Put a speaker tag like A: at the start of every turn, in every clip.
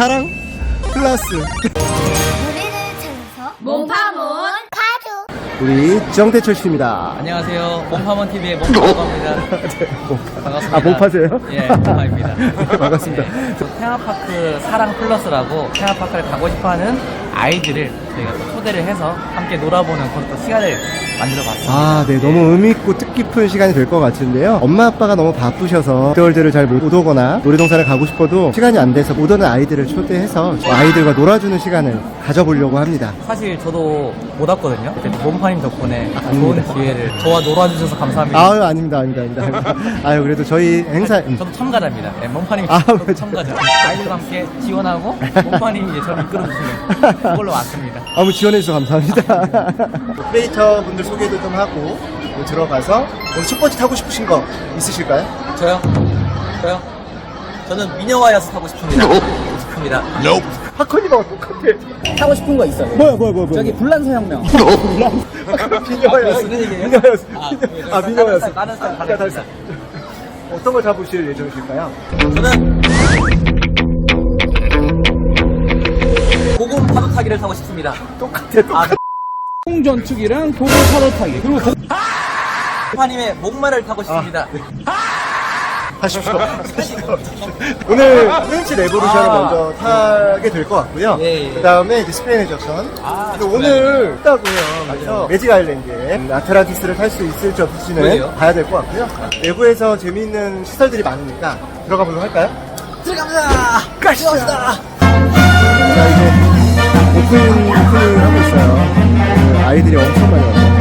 A: 사랑 플러스.
B: 우리를 찾아서 몸파몬 파주.
A: 우리 정대철 씨입니다.
C: 안녕하세요. 몸파몬 TV의 몸파라고 합니다.
A: 네,
C: 반갑습니다.
A: 아, 몸파세요?
C: 예, 몸파입니다.
A: 네, 반갑습니다.
C: 테마파크 사랑 플러스라고 테마파크를 가고 싶어하는 아이들을 저희가 또 초대를 해서 함께 놀아보는 그런 또 시간을 만들어봤습니다.
A: 아, 네, 너무 의미있고 뜻깊은 시간이 될 것 같은데요. 엄마 아빠가 너무 바쁘셔서 롯데월드를 잘 못 오거나 놀이동산을 가고 싶어도 시간이 안 돼서 못 오는 아이들을 초대해서 아이들과 놀아주는 시간을 가져보려고 합니다.
C: 사실 저도 못 왔거든요. 그때 몸파님 덕분에 좋은
A: 아닙니다.
C: 기회를 저와 놀아주셔서 감사합니다.
A: 아유, 아닙니다. 아유, 그래도 저희 행사.
C: 저도 참가자입니다. 네, 몸파님이
A: 아,
C: 저도
A: 맞아.
C: 참가자. 아이들과 함께 지원하고 몸파님이 이제 저를 이끌어주시는 그걸로 왔습니다.
A: 아무 지원해주셔서 감사합니다. 크리에이터 분들 소개도 좀 하고 들어가서 오늘 첫 번째 타고 싶으신 거 있으실까요?
C: 저요? 저는 미녀와이어스 타고 싶습니다. 싶습니다.
A: 하커니가 똑같아.
D: 하고 싶은 거 있어요.
A: 뭐야.
D: 저기 불란서 혁명.
A: 비녀였어.
C: 이런 얘기예요?
A: 비녀였어.
C: 아,
A: 비녀였어.
C: 다른 스타일.
A: 어떤 걸 잡으실 예정이실까요?
C: 저는 고급 파도 타기를 타고 싶습니다.
A: 똑같아.
D: 홍전투기랑 도구 파도 타기. 그리고
C: 파님의 목마를 타고 싶습니다.
A: 하십시오. 오늘 프렌치 레보루션을 먼저 타게 될 것 같고요.
C: 예.
A: 그 다음에 이제 스페인 해적선. 근데 오늘 있다고요. 그래서 매직 아일랜드에 아틀란티스를 탈 수 있을지 없을지는
C: 그래요?
A: 봐야 될 것 같고요. 내부에서 재미있는 시설들이 많으니까 들어가 보도록 할까요?
C: 들어갑니다.
A: 가시죠. 자, 이제 오프닝 하고 있어요. 아이들이 엄청 많이 와요.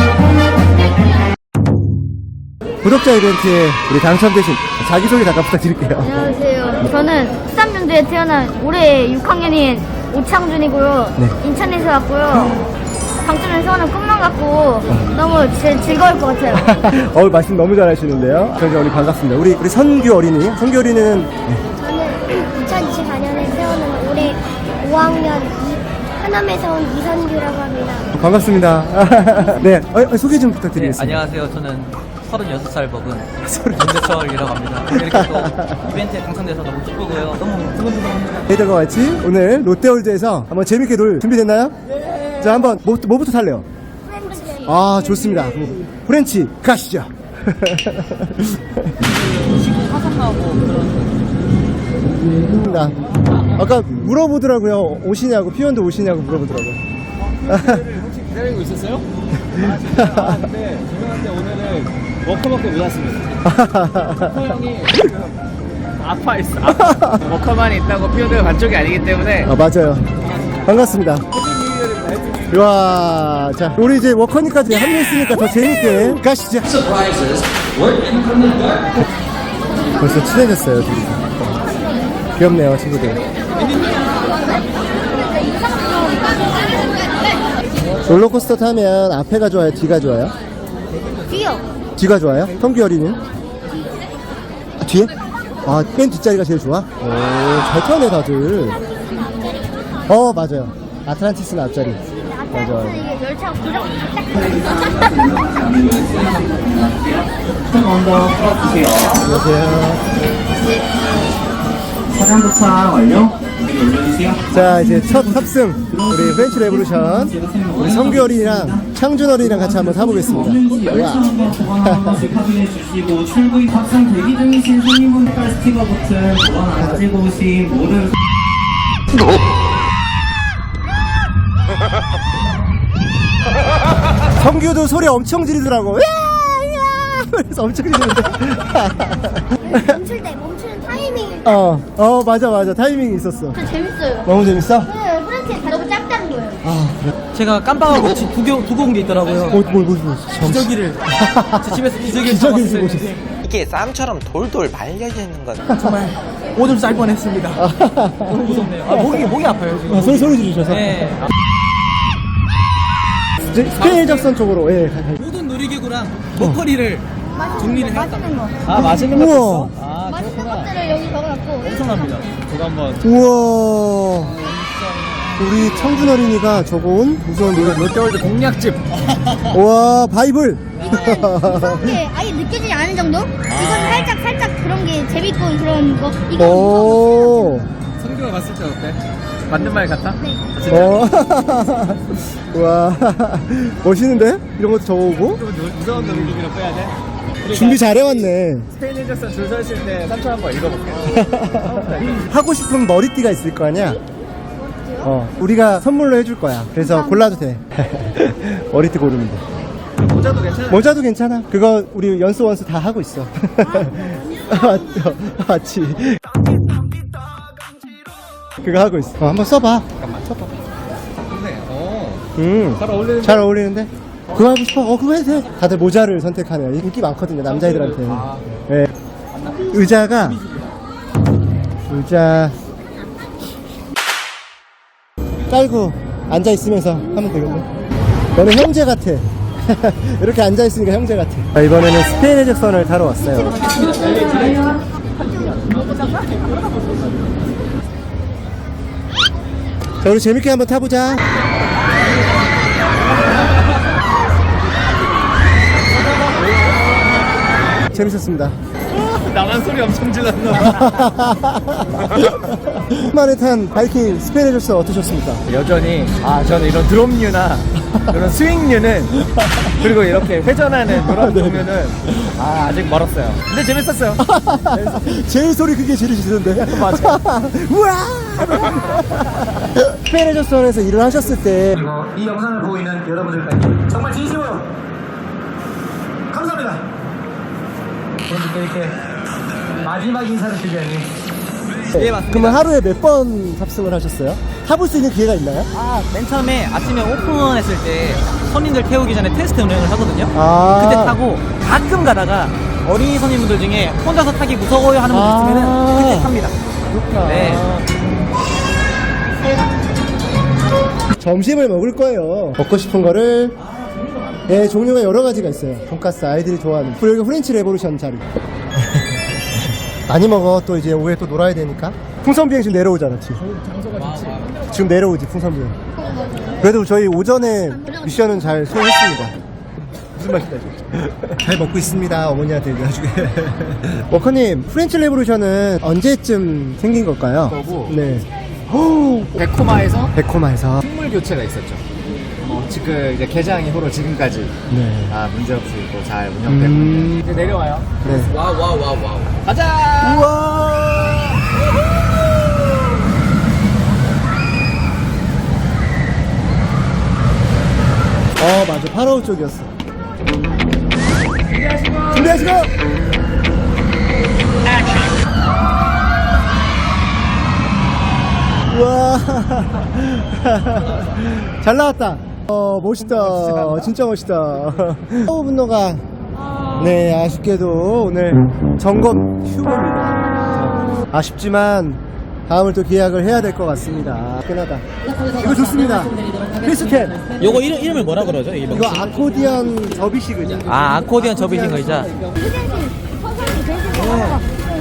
A: 구독자 이벤트에 우리 당첨되신 자기소개 잠깐 부탁드릴게요.
B: 안녕하세요. 저는 13년도에 태어난 올해 6학년인 오창준이고요.
A: 네.
B: 인천에서 왔고요. 당첨에서 하는 꿈만 갖고 너무 즐거울 것 같아요.
A: 말씀 너무 잘하시는데요. 저희 우리 반갑습니다. 우리 선규 어린이. 선규 어린이는
B: 저는 2024년에 태어난 올해 5학년 하남에서 온 이선규라고 합니다.
A: 반갑습니다. 네, 소개 좀
C: 네,
A: 부탁드리겠습니다.
C: 안녕하세요. 저는 36살 먹은 정대철이라고 합니다. 이렇게 또 이벤트에 당첨돼서 너무 기쁘고요. 너무 두근두근합니다.
A: 저희들과 같이 오늘 롯데월드에서 한번 재밌게 놀 준비됐나요? 네. 자, 한번 뭐부터 탈래요? 아, 좋습니다. 프렌치 가시죠.
C: 화성하고 그런
A: 아까 물어보더라고요. 오시냐고, 피원도 오시냐고 물어보더라고요.
D: 혹시 기다리고 있었어요? 근데 죄송한데 오늘은 워커밖에 못 왔습니다. 워커 형이 아파 있어. 워커만 있다고 피어들 반쪽이 아니기 때문에
A: 아, 맞아요. 반갑습니다. 와, 자, 우리 이제 워커니까지 합류했으니까 더 재밌게 가시죠. 벌써 친해졌어요, 둘이. 귀엽네요, 친구들. 롤러코스터 타면 앞에가 좋아요, 뒤가 좋아요?
B: 뒤요.
A: 뒤가 좋아요? 성규 어린이는? 뒤에? 아, 맨 뒷자리가 제일 좋아? 오, 잘 타네, 다들. 맞아요. 아틀란티스는 앞자리. 맞아요.
B: 이게 열차 고정
A: 안녕하세요.
D: 차량 도착 완료. 올려주세요.
A: 자, 이제 첫 탑승. 우리 프렌치 레보루션. 우리 성규 어린이랑 창준 어린이랑 같이 한번 타보겠습니다. 와.
D: 확인해 주시고 출구입 탑승 대기 중이신 손님분들 스티커 버튼 보안 안 가지고 오신 모든
A: 성규도 소리 엄청 지르더라고. 그래서 엄청 지르는데.
B: 멈추는 타이밍이
A: 맞아. 타이밍이 있었어.
B: 진짜 재밌어요.
A: 너무 재밌어?
B: 네, 프렌치 너무 짭짤한 거예요.
C: 제가 깜빡하고 두고 온 게 있더라고요.
A: 뭐.
C: 기저귀를 제 집에서 기저귀를
A: 기저귀를
C: 잡았어요.
A: 주고
E: 이게 쌈처럼 돌돌 말려져 있는 건
C: 정말 오줌 쌀 뻔했습니다. 너무 무섭네요. 목이 아파요 지금.
A: 소리 지르셔서.
C: 네.
A: 스페인 해적선 쪽으로. 예.
C: 모든 놀이기구랑 먹거리를 정리를 해왔다.
B: 맛있는 거.
D: 아 맛있는 거
A: 우와.
D: 있어? 아
B: 맛있는 것들을 여기 적어놨고.
C: 엄청납니다.
D: 저도 한번
A: 우와. 우리 청준 어린이가 적어온 무서운 노래.
D: 롯데월드 공략집.
A: 와, 바이블.
B: 이거는 무서운 게 아예 느껴지지 않은 정도? 이건 살짝 그런 게 재밌고 그런 거. 이거 무서운 거.
A: 오.
D: 성규
C: 친구가 봤을 때 어때? 맞는 말 같아?
A: 와, 멋있는데? 이런 것도 적어오고?
C: 무서운 느낌으로 빼야 돼?
A: 준비 잘해왔네.
C: 스페인 해적선 줄 서 있을 때 3초 한번 읽어볼게.
A: 하고 싶은 머리띠가 있을 거 아니야? 우리가 선물로 해줄 거야. 그래서 골라도 돼. 머리띠 고르면 돼.
C: 모자도 괜찮아?
A: 모자도 괜찮아. 그거 우리 연수 원수 다 하고 있어. 맞지. 그거 하고 있어. 한번 써봐.
C: 잠깐만.
A: 써봐.
C: 좋네.
A: 잘
C: 어울리는데?
A: 잘 어울리는데? 그거 하고 싶어? 그거 해도 돼. 다들 모자를 선택하네요. 인기 많거든요, 남자애들한테. 네. 의자 깔고 앉아있으면서 하면 되겠네. 너는 형제 같아. 이렇게 앉아있으니까 형제 같아. 이번에는 스페인 해적선을 타러 왔어요. 자, 우리 재밌게 한번 타보자. 재밌었습니다.
C: 나만 소리 엄청 질렀나?
A: 만에 탄 바이킹 스페인 해적선 어떠셨습니까?
C: 여전히 저는 이런 드롭류나 이런 스윙류는 그리고 이렇게 회전하는 그런 종류는 아직 멀었어요. 근데 재밌었어요.
A: 제일 소리 크게 지르시던데.
C: 맞아.
A: 우와! 스페인 해적선에서 일을 하셨을 때
F: 그리고 이 영상을 보고 있는 여러분들까지 정말 진심으로 감사합니다. 여러분께 이렇게 마지막 인사를 드리려니
C: 예, 맞습니다.
A: 그러면 하루에 몇 번 탑승을 하셨어요? 타볼 수 있는 기회가 있나요?
C: 맨 처음에 아침에 오픈했을 때 손님들 태우기 전에 테스트 운행을 하거든요.
A: 아.
C: 그때 타고 가끔 가다가 어린이 손님분들 중에 혼자서 타기 무서워요 하는 분들 있으면 그때 탑니다.
A: 그렇구나.
C: 네.
A: 점심을 먹을 거예요. 먹고 싶은 거를 종류가 여러 가지가 있어요. 돈가스 아이들이 좋아하는. 그리고 여기 프렌치 레보루션 자리. 많이 먹어. 또 이제 오후에 또 놀아야 되니까. 풍선비행 지금 내려오잖아. 지금 내려오지 풍선비행. 그래도 저희 오전에 미션은 잘 수행했습니다. 무슨 맛이다 지금. 잘 먹고 있습니다. 어머니한테 나중에. 워커님, 프렌치 레보루션은 언제쯤 생긴 걸까요?
G: 거고.
A: 네.
G: 베코마에서
A: 베코마에서.
G: 식물 교체가 있었죠. 지금 이제 개장 이후로 지금까지
A: 네.
G: 문제없이 또 잘 운영되고 있는. 이제 내려와요.
A: 네.
C: 와우.
G: 가자.
A: 우와. 맞아. 파라오 쪽이었어. 준비하시고. 우와. 잘 나왔다. 멋있다. 진짜 멋있다. 분노가 네, 아쉽게도 오늘 점검 휴무입니다. 아쉽지만 다음을 또 계약을 해야 될 것 같습니다. 끝나다. 이거 좋습니다. 필수템.
C: 요거 이름을 뭐라 그러죠?
A: 이거 아코디언 접이식 의자.
C: 아코디언 접이신 거 의자.
B: 선생님이 계신 거 같아서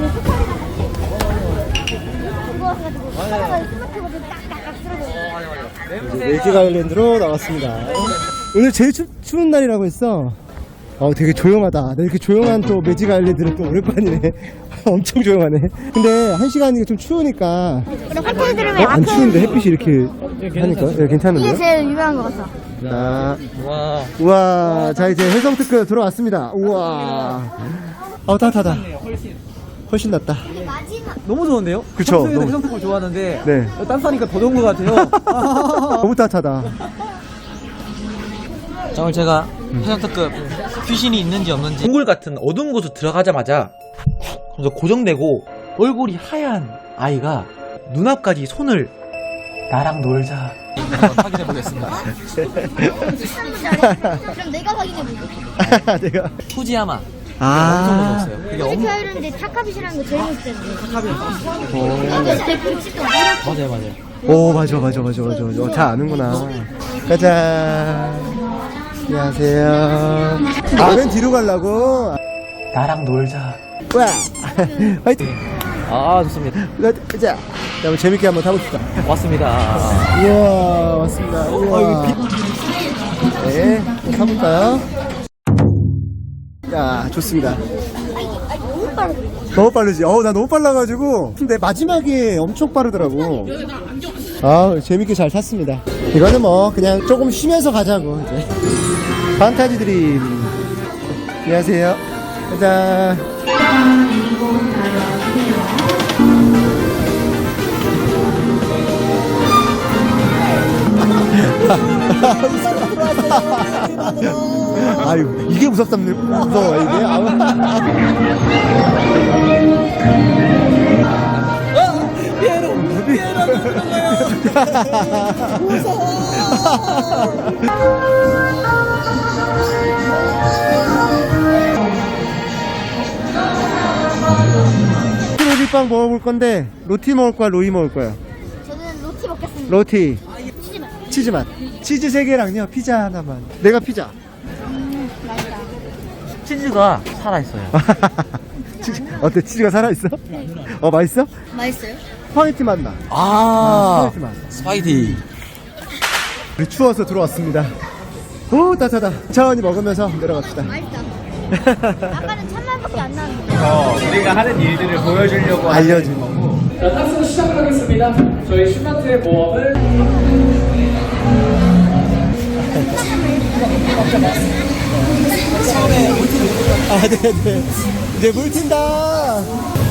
A: 매직 아일랜드로 나왔습니다. 오늘 제일 추운 날이라고 했어. 되게 조용하다. 나 이렇게 조용한 또 매직 아일랜드는 또 오랜만이네. 엄청 조용하네. 근데 1시간이 좀 추우니까.
B: 화이트 들으면
A: 안 추운데 햇빛이 이렇게 하니까 괜찮은데?
B: 이게 제일 유명한 것 같아.
A: 자,
C: 와.
A: 우와. 자, 이제 해성 특급 들어왔습니다. 우와. 따뜻하다. 훨씬 낫다.
B: 마지막.
C: 너무 좋은데요?
A: 그쵸,
C: 평소에도
A: 너무-
C: 해성특을 좋아하는데
A: 네.
C: 딴싸니까 더 좋은 것 같아요.
A: 너무 따뜻하다.
C: 자, 오늘 제가 해성특급 귀신이 있는지 없는지 동굴 같은 어두운 곳으로 들어가자마자 그래서 고정되고 얼굴이 하얀 아이가 눈앞까지 손을 나랑 놀자 한번 확인해 보겠습니다.
B: 그럼 내가 확인해볼게.
A: 내가.
C: 후지야마 엄청 무서웠어요. 그게
B: 이렇게
C: 엄청
B: 하는데 타카빗이라는 거 제일 멋있던데.
C: 탑이었어요.
B: 이게 제일 멋있던 거.
C: 맞아요.
A: 오, 맞아. 잘 아는구나. 가자. 안녕하세요. 맨 뒤로 가려고?
C: 나랑 놀자.
A: 와! 화이팅!
C: 좋습니다.
A: 가자! 자, 한번 재밌게 한번 타봅시다.
C: 왔습니다.
A: 우와, 왔습니다. 우와. 네, 타볼까요? 야, 좋습니다.
B: 엄청 빠르거든요.
A: 너무 빠르지? 나 너무 빨라가지고. 근데 마지막에 엄청 빠르더라고. 아, 재밌게 잘 탔습니다. 이거는 뭐, 그냥 조금 쉬면서 가자고, 이제. 판타지 드림. 안녕하세요. 짜잔. 아유, 이게 무서워, 이게. 로티빵 먹어볼 건데, 로티 먹을 거야, 로이 먹을 거야?
B: 저는 로티 먹겠습니다.
A: 로티.
B: 치즈맛.
A: 치즈맛. 치즈 3개랑요, 피자 하나만. 내가 피자.
B: 맛있다.
C: 치즈가 살아있어요.
A: 치즈, 어때? 치즈가 살아있어? 맛있어?
B: 맛있어요?
A: 스파게티 맛 나. 스파게티 맛.
C: 스파이티.
A: 우리 추워서 들어왔습니다. 오, 따뜻하다. 천천히 먹으면서 내려갑시다.
B: 맛있다. 아까는 찬맛밖에 안 나는데.
G: 우리가 하는 일들을 보여주려고
A: 알려준
G: 거고. 자, 탑승 시작하겠습니다. 저희 슈마트의 모험을
A: 네네. 이제 물 튄다.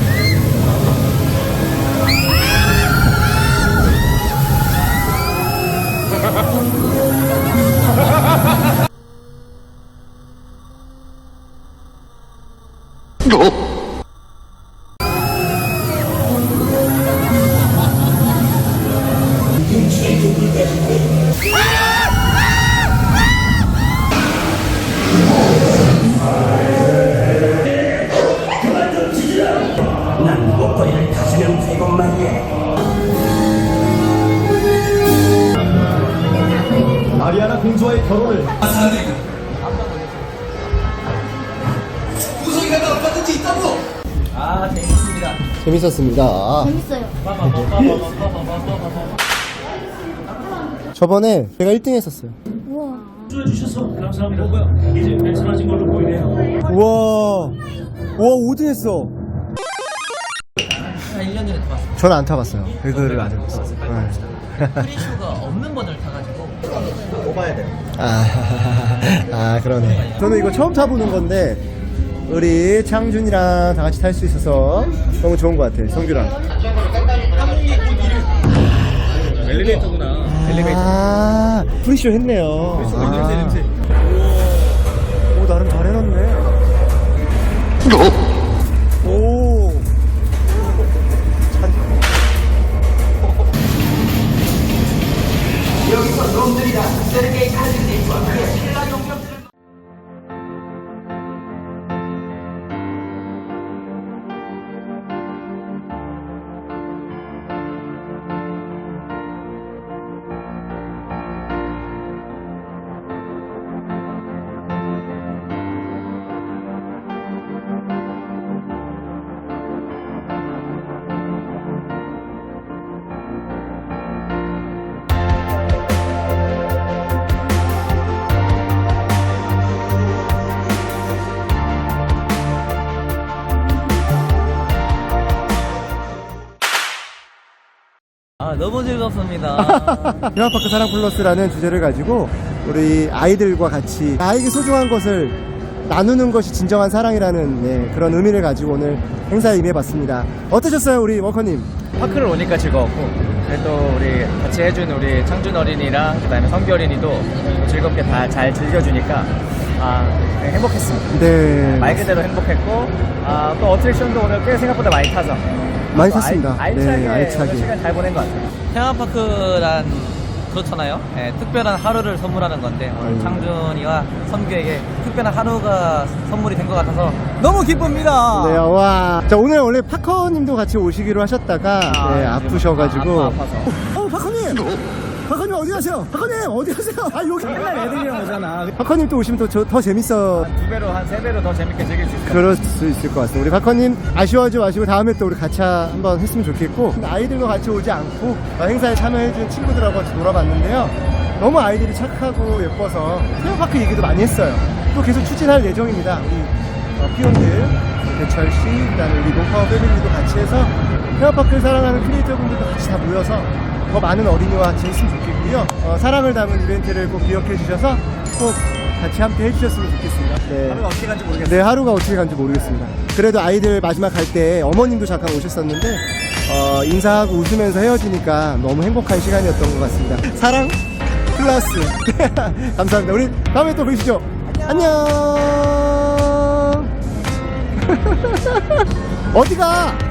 F: 마리아나 공주와의 결혼을
A: 재밌었습니다.
B: 재밌어요.
A: 저번에 제가 1등 했었어요.
B: 우와.
F: 주셔서 감사합니다. 이제 괜찮아진 걸로 보이네요.
A: 우와. 우와, 5등 했어.
C: 한 1년 전에 타봤어요.
A: 저는 안 타봤어요. 배그를 안 해봤어요.
C: 프리쇼가 없는 버전을 타가지고 뽑아야 돼요.
A: 그러네. 저는 이거 처음 타보는 건데, 우리 창준이랑 다 같이 탈 수 있어서 너무 좋은 것 같아, 성규랑.
G: 엘리베이터구나.
A: 프리쇼 했네요. 냄새. 오, 나름 잘 해놨네. 오.
C: 너무 즐겁습니다.
A: 테마파크 사랑 플러스라는 주제를 가지고 우리 아이들과 같이 나에게 소중한 것을 나누는 것이 진정한 사랑이라는 그런 의미를 가지고 오늘 행사에 임해봤습니다. 어떠셨어요, 우리 워커님?
G: 파크를 오니까 즐거웠고, 또 우리 같이 해준 우리 창준 어린이랑 그다음에 성규 어린이도 즐겁게 다 잘 즐겨주니까 행복했습니다.
A: 네.
G: 말 그대로 행복했고, 또 어트랙션도 오늘 꽤 생각보다 많이 타서
A: 많이
G: 또
A: 탔습니다.
G: 알차게,
A: 네, 알차게.
G: 오늘 시간 잘 보낸 것 같아요.
C: 테마파크란 그렇잖아요. 특별한 하루를 선물하는 건데 오늘 창준이와 선규에게 특별한 하루가 선물이 된 것 같아서 너무 기쁩니다.
A: 네, 와. 자, 오늘 원래 파커님도 같이 오시기로 하셨다가 아프셔가지고.
G: 아파서.
A: 파커님! 파커님 어디 가세요? 파커님 어디 가세요? 여기
G: 맨날 애들이랑 오잖아.
A: 파커님 또 오시면 더 재밌어.
G: 한 2배로, 한 3배로 더 재밌게 즐길 수 있을 것 같아요.
A: 그럴 수 있을 것 같습니다. 우리 박커님 아쉬워하지 마시고 다음에 또 우리 같이 한번 했으면 좋겠고, 아이들과 같이 오지 않고 행사에 참여해준 친구들하고 같이 놀아봤는데요. 너무 아이들이 착하고 예뻐서 테마파크 얘기도 많이 했어요. 또 계속 추진할 예정입니다. 우리 피온들 배철 씨, 그다음에 우리 노파워 패밀리도 같이 해서 테마파크를 사랑하는 크리에이터분들도 같이 다 모여서 더 많은 어린이와 같이 했으면 좋겠고요. 사랑을 담은 이벤트를 꼭 기억해 주셔서 꼭 같이 함께 해주셨으면 좋겠습니다. 네.
C: 하루가 어떻게 간지 모르겠어요.
A: 네, 하루가 어떻게 간지 모르겠습니다. 그래도 아이들 마지막 갈 때 어머님도 잠깐 오셨었는데 인사하고 웃으면서 헤어지니까 너무 행복한 시간이었던 것 같습니다. 사랑 플러스 감사합니다. 우리 다음에 또 뵙시죠. 안녕. 어디가?